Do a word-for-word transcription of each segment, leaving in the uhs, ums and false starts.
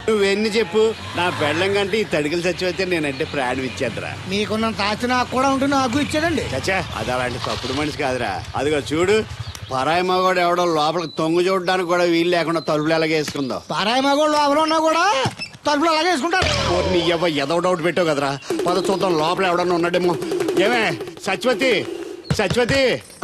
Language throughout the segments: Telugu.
నువ్వెన్ని చెప్పు, నా పెళ్ళం కంటే ఈ తడికలు చచ్చిపోతే నేనంటే ప్రాణం ఇచ్చేద్దరా. మీకున్నంత ఆస్తి నాకు కూడా ఉంటుంది, నాకు ఇచ్చాడండి. చచ్చా, అది అలాంటి తప్పుడు మనిషి కాదురా. అదిగో చూడు, పరాయి మగోడు ఎవడో లోపలికి తొంగు చూడడానికి కూడా వీలు లేకుండా తలుపులు ఎలాగ వేసుకుందో. పారాయి మగోళ్ళు లోపల ఉన్నా కూడా తలుపులు అలాగే వేసుకుంటారు. నీ ఎవ ఎదో డౌట్ పెట్టావు కదరా. పద చూద్దాం లోపల ఎవడన్నా ఉన్నాడేమో. ఏమే సత్యవతి, సత్యవతి.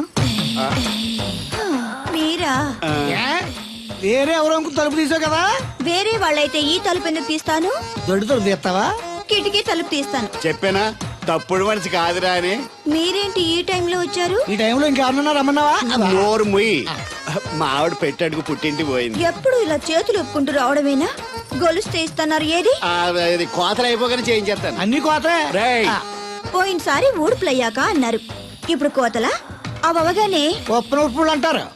మీరా? వేరే ఎవరో తలుపు తీసావు కదా. వేరే వాళ్ళైతే ఈ తలుపు ఎందుకు తీస్తాను? దొడ్డు తలుపు తీస్తావా? కిటికీ తలుపు తీస్తాను. చెప్పానా తప్పుడు మనిషి కాదురా అని. మీరేంటి ఈ టైంలో వచ్చారు? ఈ టైంలో ఇంకెవరన్నా రమ్మన్నావా? నోరు ముయ్యి. మా ఆవిడ పెట్టడుకు పుట్టింటి పోయింది. ఎప్పుడు ఇలా చేతులు ఒప్పుకుంటూ రావడమేనా? గొలుస్తే ఇస్తున్నారు, ఏది? అది కోతలు అయిపోగానే చేయించేస్తాను. అన్ని కోతే. పోయినసారి ఊడుపులయ్యాక అన్నారు, ఇప్పుడు కోతలా? అవగానే ఒప్పున ఉప్పులు అంటారు.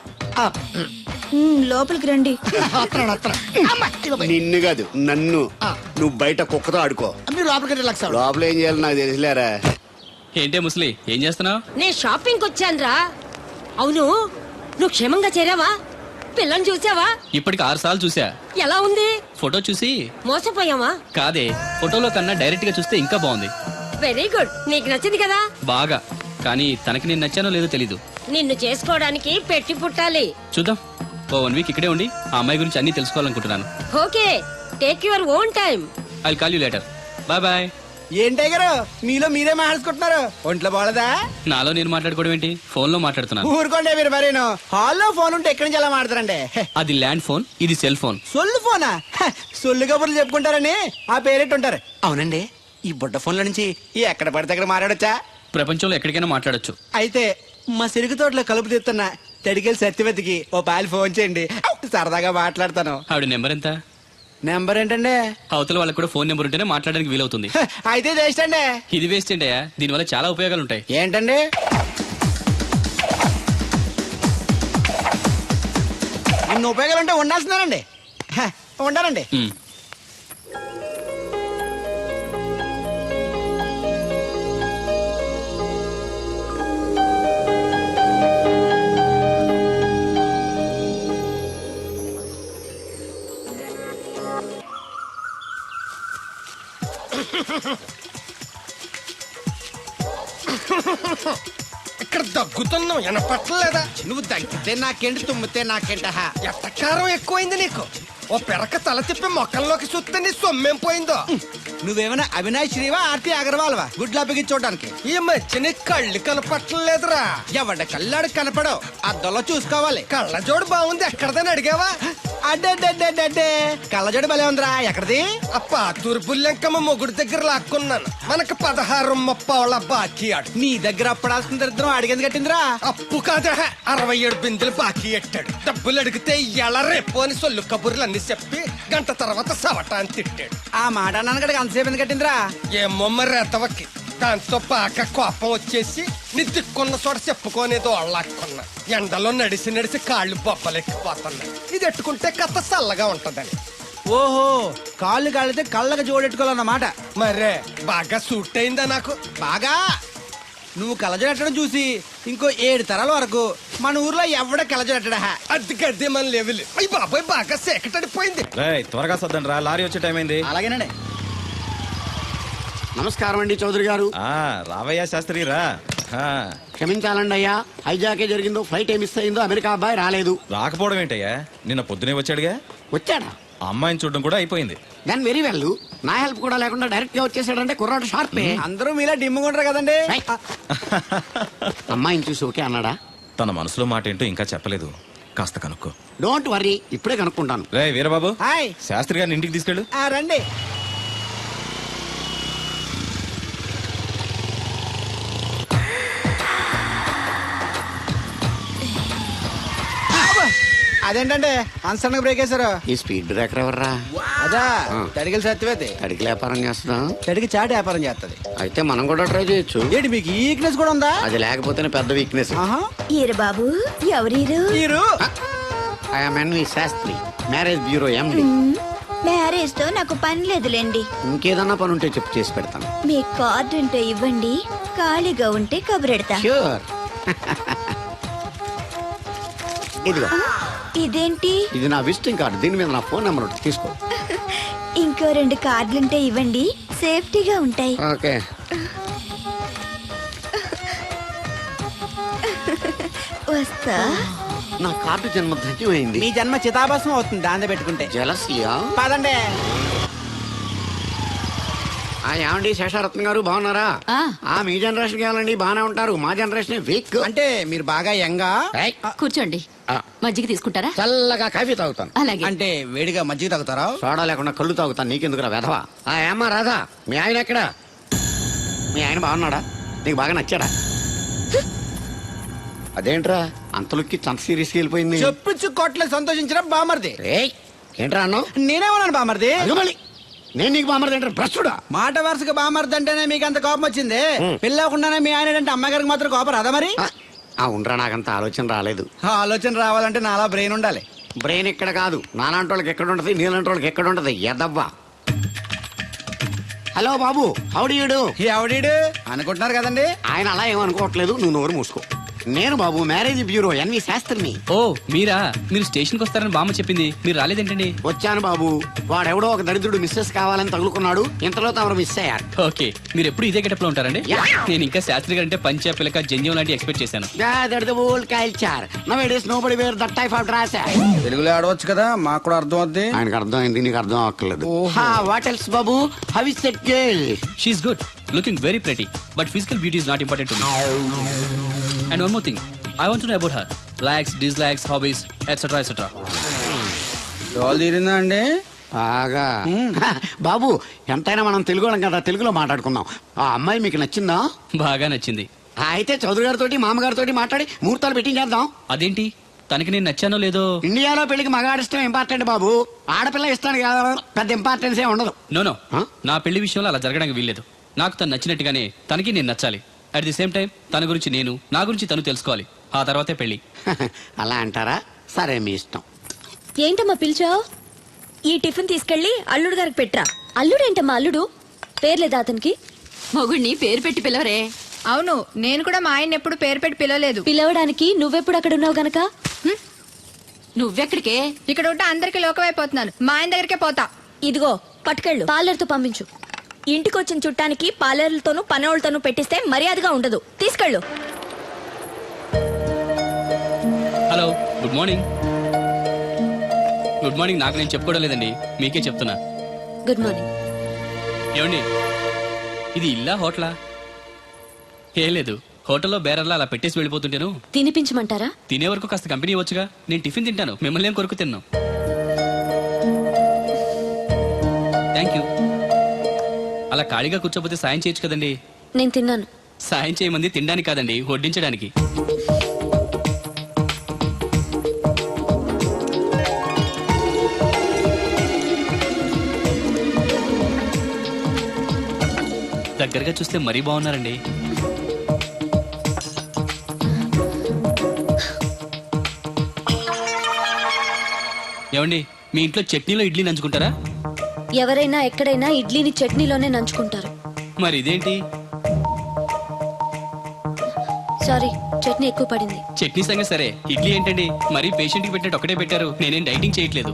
లోపలికి రండి. నిన్ను కాదు నన్ను. నువ్వు బయట కుక్కతో ఆడుకో. మీరు లోపలికి లక్ష. లోపల ఏం చేయాలి నాకు తెలిసిలేరా. ఏంటే ముసలి, ఏం చేస్తున్నావు? నేను షాపింగ్ వచ్చానురా. అవును, నువ్వు క్షేమంగా చేరావా? పిల్లని చూసావా? ఇప్పటికి ఆరు సార్లు చూసా. ఎలా ఉంది? ఫోటో చూసి మోసపోయావా? కాదే, ఫోటోలో కన్నా డైరెక్ట్ గా చూస్తే ఇంకా బాగుంది. వెరీ గుడ్, నీకు నచ్చింది కదా? బాగా. కానీ తనకి నేను నచ్చానో లేదో తెలీదు. నిన్ను చేసుకోవడానికి పెట్టి పుట్టాలి. చూద్దాం. ఓ వన్ వీక్ ఇక్కడే ఉండి ఆ అమ్మాయి గురించి అన్ని తెలుసుకోవాలనుకుంటున్నాను. Okay, take your own time. I call you later. Bye bye. ఏంటే గారు మీలో మీరే మాట్లాడుకుంటున్నారు? ఒంట్లో బాగలదా? నాలో నేను మాట్లాడుకోవడం ఏంటి? ఫోన్ లో మాట్లాడుతున్నాను. ఊరుకోండి మీరు మరేను. హాల్లో ఫోన్ ఉంటే ఎక్కడి నుంచి ఎలా మాట్లాడతారండి? అది ల్యాండ్ ఫోన్, ఇది సెల్ ఫోన్. సొల్లు ఫోనా? సొల్లు కబుర్లు చెప్పుకుంటారని ఆ పేరెట్ ఉంటారు. అవునండి, ఈ బుడ్డ ఫోన్ల నుంచి ఎక్కడ పడితే అక్కడ మాట్లాడొచ్చా? ప్రపంచంలో ఎక్కడికైనా మాట్లాడొచ్చు. అయితే మా సిరుగు తోటలో కలుపు తీస్తున్న తడికెళ్ళి సత్యవతికి ఓ పాలు ఫోన్ చేయండి, సరదాగా మాట్లాడతాను. ఆవిడ నెంబర్ ఎంత? నెంబర్ ఏంటండి? అవతల వాళ్ళకి కూడా ఫోన్ నెంబర్ ఉంటేనే మాట్లాడడానికి వీలవుతుంది. అయితే చేస్తండి. ఇది వేస్ట్ ఏంటయ్యా, దీనివల్ల చాలా ఉపయోగాలు ఉంటాయి. ఏంటండి? ఇన్ని ఉపయోగాలు ఉంటే ఉండాల్సిందేనండి. ఉండాలండి. ఉమ్. ఇక్కడ దగ్గుతున్నావు, వినపట్టలేదా? నువ్వు తగ్గితే నాకేంటి, తుమ్మితే నాకేంట? ఎట్టకారం ఎక్కువైంది నీకు. ఓ పెరక తల తిప్పి మొక్కల్లోకి చూస్తే నీ సొమ్మేం పోయిందో. నువ్వేమైనా అవినాష్ శ్రీవా, ఆర్తి అగర్వాల్వా గుడ్లా చూడడానికి? ఈ మధ్య నీ కళ్ళు కనపట్టలేదురా. ఎవడ కళ్ళాడు కనపడవు, అద్దంలో చూసుకోవాలి. కళ్ళజోడు బాగుంది, ఎక్కడదని అడిగావా? అడ్డే కళ్ళజోడు భలే ఉందిరా. ఎక్కడిది? అప్ప తూర్పుల్లెంకమ్మ మొగుడు దగ్గర లాక్కున్నాను. మనకు పదహారు ముప్పావుల బాకీ ఆడు. నీ దగ్గర అప్పడాల్సిన దరిద్రం అడిగింది కట్టిందిరా. అప్పు కాదా, అరవై ఏడు బిందెలు బాకీ ఎట్టాడు. డబ్బులు అడిగితే ఎల రేపు అని సొల్లు కబుర్లు అన్ని చెప్పి గంట తర్వాత సవటాన్ని తిట్టాడు. ఆ మాట నాన్నగడికి అంతసేపు ఎందుకు కట్టిందిరా? ఏమో మరి ఎతవకి. దాంతో బాగా కోపం వచ్చేసి నీ దిక్కున్న చోట చెప్పుకోనేదో అళ్ళాక్కున్నా. ఎండలో నడిసి నడిసి కాళ్ళు బొబ్బలెక్కిపోతున్నాయి. ఇది ఎట్టుకుంటే కథ చల్లగా ఉంటదని. ఓహో, కాళ్ళు కాళ్ళైతే కళ్ళకి జోడెట్టుకోవాలన్నమాట. మరే బాగా సూట్ అయిందా నాకు? బాగా. నువ్వు కళ్ళజోడెట్టడం చూసి ఇంకో ఏడు తరాల వరకు మన ఊర్లో ఎవడ కళ్ళజోడెట్టడా? అది గడ్డి మన లెవెల్. అయ్యి బాబాయ్ బాగా సేకటడిపోయింది. త్వరగా సర్దండి రా, లారీ వచ్చే టైం అయింది. అలాగేనండి. నమస్కారం అండి చౌదరి గారు. రావయ్యా శాస్త్రి రా. క్షమించాలండి అయ్యా, హైజాకే జరిగిందో, ఫ్లైట్ ఏమి మిస్ అయిందో, అమెరికా అబ్బాయి రాలేదు. రాకపోవడం ఏంటయ్యా, నిన్న పొద్దునే వచ్చాడుగా. వచ్చాడా? ఆ అమ్మాయిని చూడడం కూడా అయిపోయింది. దాని వెరీ వెల్. నా హెల్ప్ కూడా లేకుండా డైరెక్ట్ గా వచ్చేసాడంటే కుర్రాడు షార్పే. అందరూ మీలా డిమ్ముకుంటారు కదండి. అమ్మాయిని చూసి ఓకే అన్నాడా? తన మనసులో మాట ఏంటో ఇంకా చెప్పలేదు, కాస్త కనుక్కో. డోంట్ వర్రీ, ఇప్పుడే కనుక్కుంటాను. రే వీరబాబు, హాయ్. శాస్త్రి గారిని ఇంటికి తీసుకెళ్ళు. ఆ రండి. అదేంటంటే అన్సడన్ బ్రేక్ వేశారు? ఈ స్పీడ్ బ్రేకర్ ఎవర్రా? అదా తడికలు సత్యవతి. అడిగి వ్యాపారం చేస్తున్నాం. తడికి చాటి వ్యాపారం చేస్తది. అయితే మనం కూడా ట్రై చేయొచ్చు. ఏంటి మీకు ఈ వీక్నెస్ కూడా ఉందా? అది లేకపోతేనే పెద్ద వీక్నెస్. ఈరు బాబు, ఎవరీరు? మీరు? I'm N V Shastri, marriage bureau MD. Marriage తో నాకు పని లేదులేండి. ఇంకేదన్నా పని ఉంటే చెప్పు, చేసి పెడతాను. మీ కార్డు ఉంటే ఇవ్వండి, ఖాళీగా ఉంటే కబురెడతా. ష్యూర్. ఇదిగో. ఇదేంటి? ఇది నా విజిటింగ్ కార్డు, దీని మీద నా ఫోన్ నెంబర్ తీసుకో. ఇంకో రెండు కార్డులుంటే ఇవ్వండి, సేఫ్టీగా ఉంటాయి. ఓకే. వస్తా. నా కార్డు జన్మ ధన్యమైంది. మీ జన్మ చితాభాసం అవుతుంది దాంతో పెట్టుకుంటే. జలసియా. పదండి. ఆ ఏమండి శేషారత్న గారు బాగున్నారా? ఆ మీ జనరేషన్ కావాలండి, బాగానే ఉంటారు. మా జనరేషన్ వీక్. అంటే మీరు బాగా యంగా. ఏయ్, కూర్చోండి. ఆ, మజ్జిగ తీసుకుంటారా? చల్లగా కాఫీ తాగుతాను. అలాగే. అంటే వేడిగా మజ్జిగ తాగుతారా? సోడా లేకుండా కళ్ళు తాగుతాను. నీకెందుకురా వెధవా? ఆ ఏమ్మా రాధా, మీ ఆయన ఎక్కడా? మీ ఆయన బాగున్నాడా? నీకు బాగా నచ్చాడా? అదేంట్రా అంతలోకి చంత సీరియస్కి వెళ్ళిపోయింది? చెప్పుచ్చు కొట్ల సంతోషించడం బామర్ది. ఏయ్, ఏంట్రా అన్నావు? నేనేమన్నాను బామర్ది? అదిగో మళ్ళీ నేను నీకు బామర్ది ఏంట్రా భ్రష్టుడా? మాట వరుసగా బామర్ది అంటేనే మీకు అంత కోపం వచ్చింది. పిల్లకుండానే మీ ఆయన అంటే అమ్మగారికి మాత్రం కోపం రాదా మరి? ఆ, ఆ ఉండరా, నాకంత ఆలోచన రాలేదు. ఆ ఆలోచన రావాలంటే నాలా బ్రెయిన్ ఉండాలి. బ్రెయిన్ ఇక్కడ కాదు, నాలాంటి వాళ్ళకి ఎక్కడ ఉంటది, నీలాంటి వాళ్ళకి ఎక్కడ ఉంటది. ఎదవ్వా. హలో బాబు, హౌడీ యూడు? ఎవడీడు అనుకుంటున్నారు కదండి. ఆయన అలా ఏమనుకోవట్లేదు, నువ్వు నోరు మూసుకో. నేను బాబు మ్యారేజ్ బ్యూరో ఎన్వి శాస్త్రిని. ఓ మీరా? మీరు స్టేషన్కి వస్తారని బామ్మ చెప్పింది, మీరు రాలేదేంటండి? వచ్చాను బాబు. వాడెవడో ఒక దరిద్రుడు మిస్సెస్ కావాలని తగులుకున్నాడు. ఇంతలో తమరు మిస్ అయ్యారు. ఓకే, మీరు ఎప్పుడు ఇదే గెటప్ లో ఉంటారండి? యా. నేను ఇంకా శాస్త్రి గారు అంటే పంచ పిలక జంజం లాంటి ఎక్స్పెక్ట్ చేశాను. తెలుగులో ఆడవచ్చు కదా, మాకు కూడా అర్థం అవుద్ది. ఆయనకు అర్థం అయింది, నీకు అర్థం అవ్వట్లేదు. వాట్ ఎల్స్ బాబు? How is that girl? She's good, looking very pretty, but physical beauty is not important to me. And one more thing, I want to know about her likes, dislikes, hobbies etcetera etcetera. డోల్ తీరిందా అండి? బాగా. బాబు ఎంతైనా మనం తెలుగు వాళ్ళం కదా, తెలుగులో మాట్లాడుకుందాం. ఆ అమ్మాయి మీకు నచ్చిందా? బాగా నచ్చింది. ఆ, అయితే చౌదరి గారితో మామగారితో మాట్లాడి ముహూర్తాలు పెట్టించేద్దాం. అదేంటి, తనకి నేను నచ్చానో లేదో? ఇండియాలో పెళ్లికి మగాడిష్టం ఇంపార్టెంట్ బాబు. ఆడపిల్ల ఇష్టానికి కాదు, పెద్ద ఇంపార్టెన్స్ ఏ ఉండదు. No no, Huh? నా పెళ్లి విషయంలో అలా జరగడానికి వీల్లేదు. నాకు తను నచ్చినట్టుగానే తనకి నేను నచ్చాలి. అట్ ది సేమ్ టైం తన గురించి నేను, నా గురించి తను తెలుసుకోవాలి. ఆ తర్వాతే పెళ్లి. అలా అంటారా? సరే, మీ ఇష్టం. ఏంటమ్మా పిలిచావు? ఈ టిఫిన్ తీసుకెళ్లి అల్లుడు గారికి పెట్టరా. అల్లుడేంటమ్మా అల్లుడు? పేర్లేదా అతనికి? మొగుడిని పేరు పెట్టి పిలవరే. అవును, నేను కూడా మా ఆయన ఎప్పుడు పేరు పెట్టి పిలవలేదు. పిలవడానికి నువ్వెప్పుడు అక్కడ ఉన్నావు గనక. నువ్వెక్కడికే? ఇక్కడ ఉంటే అందరికి లోకమైపోతున్నాను. మా ఆయన దగ్గరికే పోతా. ఇదిగో పట్టుకెళ్ళు, పార్లర్తో పంపించు. ఇంటికొచ్చిన చుట్టానికి పార్లర్లతోనూ పనోళ్ళతోనూ పెట్టిస్తే మర్యాదగా ఉండదు. తీసుకెళ్ళు. Hello, good morning. Good morning నాకు నేను చెప్పుకోవడం లేదండి, మీకే చెప్తున్నా. Good morning. ఏమండి, ఇది ఇల్లా హోటలా? ఏం లేదు, హోటల్లో బేరర్లా అలా పెట్టేసి వెళ్ళిపోతుంటేను. తినిపించమంటారా? తినే వరకు కాస్త కంపెనీ ఇవ్వచ్చుగా. నేను టిఫిన్ తింటాను, మిమ్మల్ని ఏం కొరకు తిన్నాను. Thank you. అలా ఖాళీగా కూర్చోపోతే సాయం చేయొచ్చు కదండి. నేను తిన్నాను. సాయం చేయమంది తినడానికి కాదండి, వడ్డించడానికి. దగ్గరగా చూస్తే మరీ బాగున్నారండి. ఏమండి, మీ ఇంట్లో చట్నీలో ఇడ్లీ నంచుకుంటారా? ఎవరైనా ఎక్కడైనా ఇడ్లీని చట్నీలోనే నంచుకుంటారు. మరి ఇదేంటి? సారీ, చట్నీ ఎక్కువ పడింది. చట్నీ సంగతి సరే, ఇడ్లీ ఏంటండి మరీ పేషెంట్ కి పెట్టినట్టు ఒకటే పెట్టారు. నేనేం డైటింగ్ చేయట్లేదు.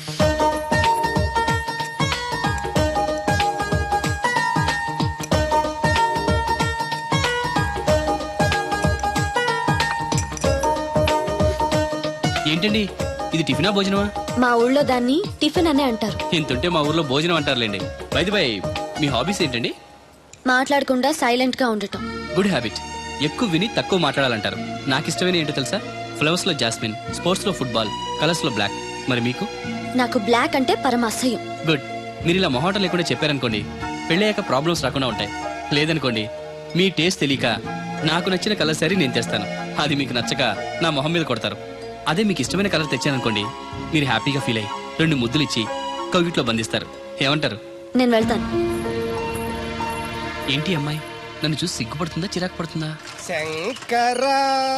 ఏంటండి, ఇది టిఫినా భోజనమా? మా ఊళ్ళో దాన్ని టిఫిన్ అనే అంటారు. ఇంతుంటే మా ఊర్లో భోజనం అంటారులేండి. బైది బై, మీ హాబీస్ ఏంటండి? మాట్లాడకుండా సైలెంట్ గా ఉండటం. Good habit. ఎక్కువ విని తక్కువ మాట్లాడాలంటారు. నాకు ఇష్టమైన ఏంటో తెలుసా? ఫ్లవర్స్ లో జాస్మిన్, స్పోర్ట్స్ లో ఫుట్బాల్, కలర్స్ లో బ్లాక్. మరి మీకు? నాకు బ్లాక్ అంటే పరమ అసహ్యం. గుడ్. మీరు ఇలా మొహాటం లేకుండా చెప్పారనుకోండి, పెళ్ళయ్యాక ప్రాబ్లమ్స్ రాకుండా ఉంటాయి. లేదనుకోండి, మీ టేస్ట్ తెలియక నాకు నచ్చిన కలర్ సారీ నేను తెస్తాను, అది మీకు నచ్చక నా మొహం మీద కొడతారు. అదే మీకు ఇష్టమైన కలర్ తెచ్చాననుకోండి, మీరు హ్యాపీగా ఫీల్ అయ్యి రెండు ముద్దులు ఇచ్చి కౌగిట్లో బంధిస్తారు. ఏమంటారు? నేను వెళ్తాను. ఏంటి అమ్మాయి నన్ను చూసి సిగ్గుపడుతుందా, చిరాకు పడుతుందా? శంకరా,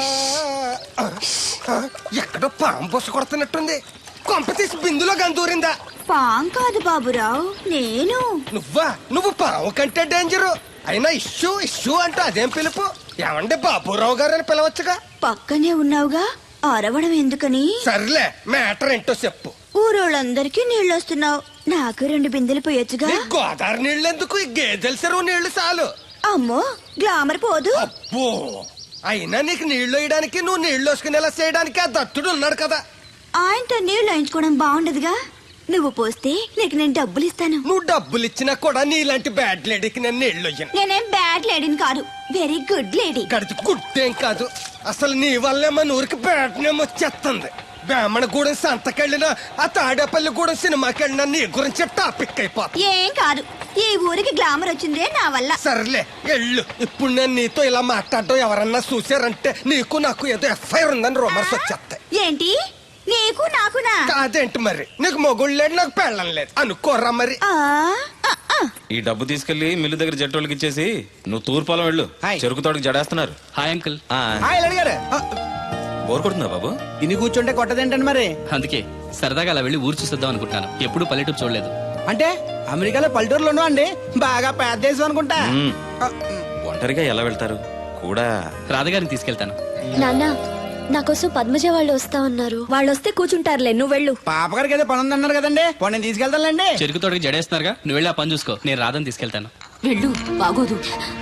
ఎక్కడో పాము బొస కొడుతున్నట్టుంది. కొంప తీసి బిందులో గందూరిందా? పాం కాదు బాబురావు, నేను. నువ్వా? నువ్వు పాము కంటే డేంజరు. అయినా ఇష్యూ ఇష్యూ అంటూ అదేం పిలుపు? ఏమండి బాబురావు గారు అని పిలవచ్చుగా. పక్కనే ఉన్నావుగా, అరవడం ఎందుకని? సర్లే, మ్యాటర్ ఏంటో చెప్పు. ఊరోళ్ళందరికీ నీళ్ళు వస్తున్నావు నాకు రెండు బిందెలు పోయొచ్చుగా నీ గోదావరి నీళ్ళు ఎందుకు ఈ గేదెల చెరువు నీళ్లు చాలు. అమ్మో గ్లామర్ పోదు. అబ్బో అయినా నీకు నీళ్లు వేయడానికి నువ్వు నీళ్లు వేసుకునేలా చేయడానికి ఆ దత్తుడు ఉన్నాడు కదా. ఆయనతో నీళ్లు వేయించుకోవడం బాగుండదుగా. నువ్వు పోస్తే నీకు నేను డబ్బులు ఇస్తాను. నువ్వు డబ్బులు ఇచ్చినా కూడా నీలాంటి బ్యాడ్ లేడీకి నేను నీళ్లు వేయను. నేనేం బ్యాడ్ లేడీని కాదు, వెరీ గుడ్ లేడీ. గడిచి కుట్టేం కాదు. అసలు నీ వల్లే మన ఊరికి బ్యాడ్ నేమ్ వచ్చేస్తుంది. బ్రాహ్మణగూడెం సంతకెళ్ళినా ఆ తాడేపల్లిగూడెం సినిమాకెళ్ళినా నీ గురించి టాపిక్ అయిపోతుంది. ఏం కాదు, ఈ ఊరికి గ్లామర్ వచ్చిందే నా వల్ల. సర్లే ఎళ్ళు. ఇప్పుడు నేను నీతో ఇలా మాట్లాడడం ఎవరన్నా చూసారంటే నీకు నాకు ఏదో ఎఫ్ఐఆర్ ఉందని రూమర్స్ వచ్చేస్తాయి. ఏంటి నీకు నాకునా? కాదేంటి మరి, నీకు మొగుడు లేడు నాకు పెళ్ళం లేదు అనుకోరా మరి. ఆ, ఆ, ఆ. ఈ డబ్బు తీసుకెళ్లి మిల్లు దగ్గర జట్టోళ్ళకి ఇచ్చేసి నువ్వు తూర్పాలం వెళ్ళు. హాయ్. చెరుకు తోటకి జడేస్తున్నారు. Hi uncle. ఆ, హాయ్ అడిగారు బోర్ కొడుతుందా బాబు? ఇన్ని కూర్చుంటే కొట్టదేంటండి మరి? అందుకే సరదాగా అలా వెళ్ళి ఊరు చూసేద్దాం అనుకుంటున్నాను. ఎప్పుడు పల్లెటూరు చూడలేదు. అంటే అమెరికాలో పల్లెటూరులోనూ అండి బాగా పెద్ద దేశం అనుకుంటా. మ్మ్. ఆ, ఒంటరిగా ఎలా వెళ్తారు కూడా? రాధగారిని తీసుకెళ్తాను. నాన్న నా కోసం పద్మజ వాళ్ళు వస్తా ఉన్నారు. వాళ్ళు వస్తే కూర్చుంటారులే, నువ్వు వెళ్ళు. పాపగారికి ఏదో పని ఉందన్నారు కదండి, పోనీ నేను తీసుకెళ్తానులేండి. చెరుకు తోటకి జడేస్తున్నారుగా, నువ్వు వెళ్ళి ఆ పని చూసుకో. నేను రాధని తీసుకెళ్తాను. వెళ్ళు బాగోదు.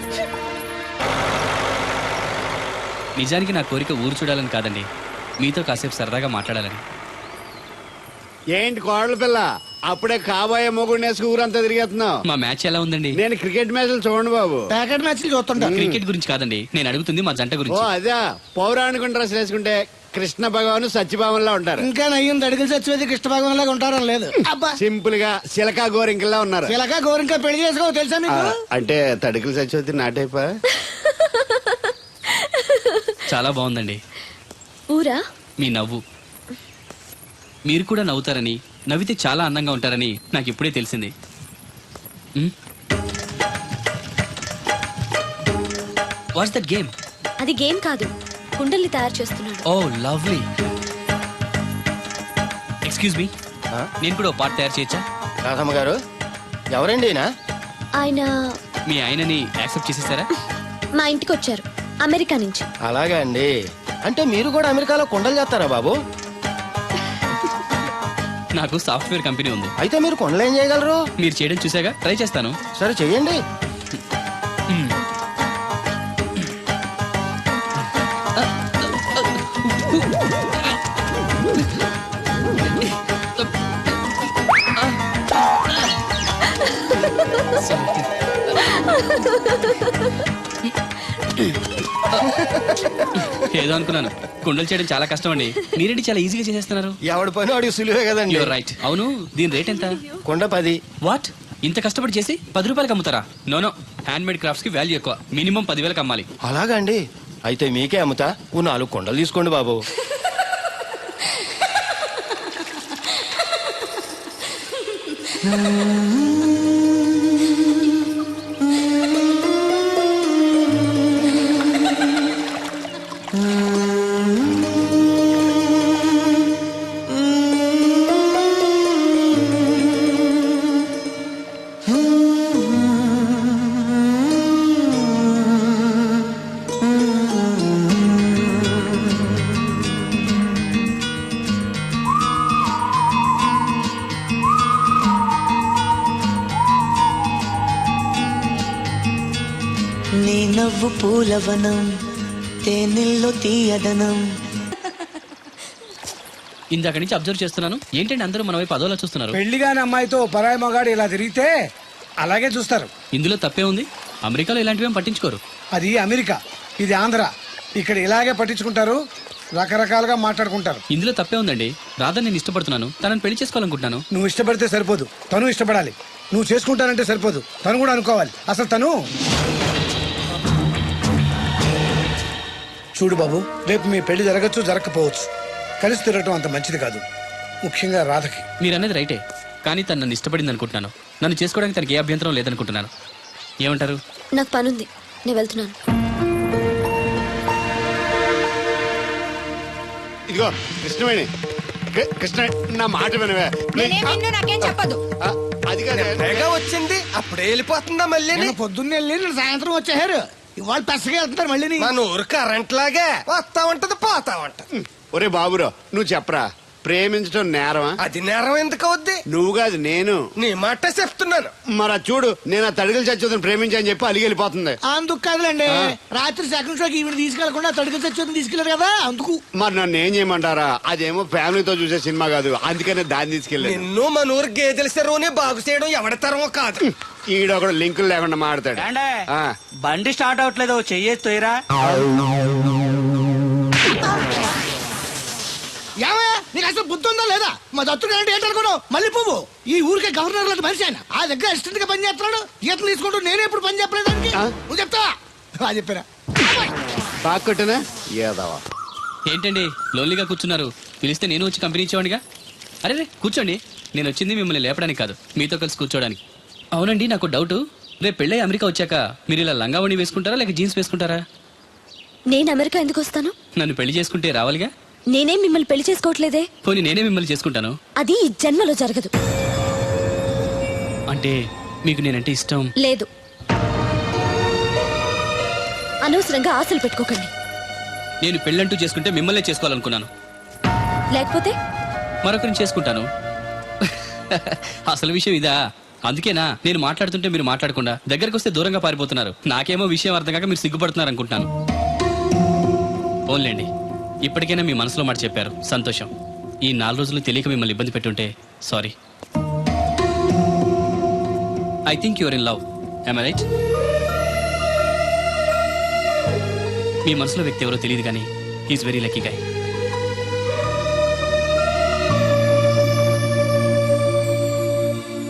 నిజానికి నా కోరిక ఊరు చూడాలని కాదండి, మీతో కాసేపు సరదాగా మాట్లాడాలని. ఏంటి కోడల పిల్ల అప్పుడే కాబోయే మొగుడు నేసుకు ఊరంతా తిరిగేస్తున్నావు? మా మ్యాచ్ ఎలా ఉందండి? నేను క్రికెట్ మ్యాచ్లు చూడండి బాబు. ప్యాకెట్ మ్యాచ్ చూస్తుంటా. క్రికెట్ గురించి కాదండి, నేను అడుగుతుంది మా జంట ఓ గురించి. అదే పౌరాణిక డ్రెస్ వేసుకుంటే కృష్ణ భగవాన్ సత్యభావంలా ఉంటారు. ఇంకా నయ్యం అడిగిలు చచ్చిపోతే కృష్ణ భాగం లాగా ఉంటారని లేదు. అబ్బా సింపుల్ గా సిలకా గోరింకల్లా ఉన్నారు. ఇలాగా గోరింకా పెళ్లి చేసుకో తెలుసా ఆ, మీకు? అంటే తడికలు సచ్చిపోతే నాటైపా. చాలా బాగుందండి ఊరా మీ నవ్వు. మీరు కూడా నవ్వుతారని, నవ్వితే చాలా అందంగా ఉంటారని నాకు ఇప్పుడే తెలిసింది. What's that game? అది గేమ్ కాదు, కుండల్ని తయారు చేస్తున్నాడు. Oh lovely. ఎక్స్క్యూజ్ మీ, నేను కూడా ఓ పాట తయారు చేయొచ్చా? రాధమ్మ గారు ఎవరండి? ఆయన మీ ఆయనని యాక్సెప్ట్ చేసేసారా? మా ఇంటికి వచ్చారు అమెరికా నుంచి. అలాగా అండి, అంటే మీరు కూడా అమెరికాలో కొండలు చేస్తారా బాబు? నాకు సాఫ్ట్వేర్ కంపెనీ ఉంది. అయితే మీరు కొండలు ఏం చేయగలరు? మీరు చేయడం చూసాగా, ట్రై చేస్తాను. సరే చెయ్యండి. ఏదో అనుకున్నాను. కుండలు చేయడం చాలా కష్టం అండి, మీరేంటి చాలా ఈజీగా చేసేస్తున్నారు. ఎవడి పని వాడికి సులువే కదండి. You're right. అవును, దీని రేట్ ఎంత? కొండ పది. వాట్, ఇంత కష్టపడి చేసి పది రూపాయలకి అమ్ముతారా? నోనో, హ్యాండ్ మేడ్ క్రాఫ్ట్స్ కి వాల్యూ ఎక్కువ. మినిమం పదివేలకు అమ్మాలి. అలాగా అండి, అయితే మీకే అమ్ముతా. ఓ నాలుగు కొండలు తీసుకోండి బాబు. నీ నవ్వు పూలవనం తేనెల్లో తీయదనం. ఇందాక నుంచి అబ్జర్వ్ చేస్తున్నాను, ఏంటంటే అందరూ మన వైపు అదోలా చూస్తున్నారు. పెళ్లిగాని అమ్మాయితో పరాయి మగాడు ఇలా తిరిగితే అలాగే చూస్తారు. ఇందులో తప్పే ఉంది? అమెరికాలో ఇలాంటివేం పట్టించుకోరు. అది అమెరికా, ఇది ఆంధ్ర. ఇక్కడ ఇలాగే పట్టించుకుంటారు, రకరకాలుగా మాట్లాడుకుంటారు. ఇందులో తప్పే ఉందండి. రాధా నేను ఇష్టపడుతున్నాను, తనని పెళ్లి చేసుకోవాలనుకుంటున్నాను. నువ్వు ఇష్టపడితే సరిపోదు, తను ఇష్టపడాలి. నువ్వు చేసుకుంటానంటే సరిపోదు, తను కూడా అనుకోవాలి. అసలు తను చూడు బాబు, రేపు మీ పెళ్లి జరగచ్చు, జరగకపోవచ్చు. కలిసి తిరగటం అంత మంచిది కాదు, ముఖ్యంగా రాధకి. మీరు అనేది రైటే, కానీ తను నన్ను ఇష్టపడింది అనుకుంటున్నాను. నన్ను చేసుకోవడానికి తనకి ఏ అభ్యంతరం లేదనుకుంటున్నాను. ఏమంటారు? నాకు పనుంది, నేను వెళ్తున్నాను. ఇదిగో కృష్ణవేణి, కృ- కృష్ణ నా మాట వినవే. నేనేం నిన్ను నాకేం చెప్పదు. ఆ, అది కాదే. వేగా వచ్చింది అప్పుడే వెళ్ళిపోతుందా మళ్ళీ? నేను పొద్దున్నే వెళ్ళి నేను సాయంత్రం వచ్చేసారు. ఇవాళ పెసగా వెళ్తున్నారు మళ్ళీ. మన ఊరు కరెంట్ లాగే వస్తా ఉంటది పోతా ఉంటది. ఒరే బాబురా, నువ్వు చెప్పరా. ప్రేమించడం నేరమా? అది నేరం ఎందుకు అవుద్ది? నువ్వు కాదు నేను. నీ మాట చెప్తున్నాను. మరి అది చూడు, నేను ఆ తడికలు చచ్చోదని ప్రేమించని చెప్పి అలిగి వెళ్ళిపోతుంది. అందుకు కాదులేండి రాత్రి సెకండ్ షోకి ఈవిడ తీసుకెళ్లకుండా తడికి తెచ్చి తీసుకెళ్లారు కదా అందుకు. మరి నన్ను ఏం చేయమంటారా? అదేమో ఫ్యామిలీతో చూసే సినిమా కాదు, అందుకనే దాన్ని తీసుకెళ్ళాను. నిన్ను మన ఊరు గేదెల చెరువుని బాగు చేయడం ఎవరి తరమో కాదు. ఈడొకడు లింకులు లేకుండా మాడతాడు. ఆ. బండి స్టార్ట్ అవట్లేదు చెయ్యేసి తోయరా. ఏమయ్యా నీకు అసలు బుద్ధి ఉందా లేదా? మా దత్తుడు అంటే ఏంటనుకోను మళ్ళీ పువ్వు ఈ ఊరికే గవర్నర్ లాంటి మనిషి ఆయన. ఆ దగ్గర అసిస్టెంట్ గా పని చేస్తున్నాడు. ఈతలు తీసుకుంటూ నేనే ఇప్పుడు పని చెప్పలేదు దానికి. ఆ? నువ్వు చెప్తావా? అది చెప్పారా బాగా కొట్టినా ఏదవా? ఏంటండి లోన్లీగా కూర్చున్నారు? పిలిస్తే నేను వచ్చి కంపెనీ ఇచ్చేవాడిగా. అరే రే కూర్చోండి. నేను వచ్చింది మిమ్మల్ని లేపడానికి కాదు, మీతో కలిసి కూర్చోడానికి. అవునండి, నాకు డౌట్. రేపు పెళ్ళై అమెరికా వచ్చాక మీరు ఇలా లంగావణి వేసుకుంటారా లేక జీన్స్ వేసుకుంటారా? నేను అమెరికా ఎందుకు వస్తాను? నన్ను పెళ్లి చేసుకుంటే రావాలిగా. నేనేం మిమ్మల్ని పెళ్లి చేసుకోవట్లేదే. పోనీ నేనే మిమ్మల్ని చేసుకుంటాను. అది ఈ జన్మలో జరగదు. అంటే మీకు నేనంటే ఇష్టం లేదు. అనవసరంగా ఆశలు పెట్టుకోకండి. నేను పెళ్ళంటూ చేసుకుంటే మిమ్మల్నే చేసుకోవాలనుకున్నాను. లేకపోతే మరొకరిని చేసుకుంటాను. అసలు విషయం ఇదా? అందుకేనా నేను మాట్లాడుతుంటే మీరు మాట్లాడకుండా దగ్గరకు వస్తే దూరంగా పారిపోతున్నారు. నాకేమో విషయం అర్థం కాక మీరు సిగ్గుపడుతున్నారు అనుకుంటున్నాను. ఓన్లేండి, ఇప్పటికైనా మీ మనసులో మాట చెప్పారు, సంతోషం. ఈ నాలుగు రోజులు తెలియక మిమ్మల్ని ఇబ్బంది పెట్టుంటే sorry. I think your in love. I right? మీ మనసులో వ్యక్తి ఎవరో తెలియదు కానీ హీఈస్ వెరీ లక్కీ గాయ్.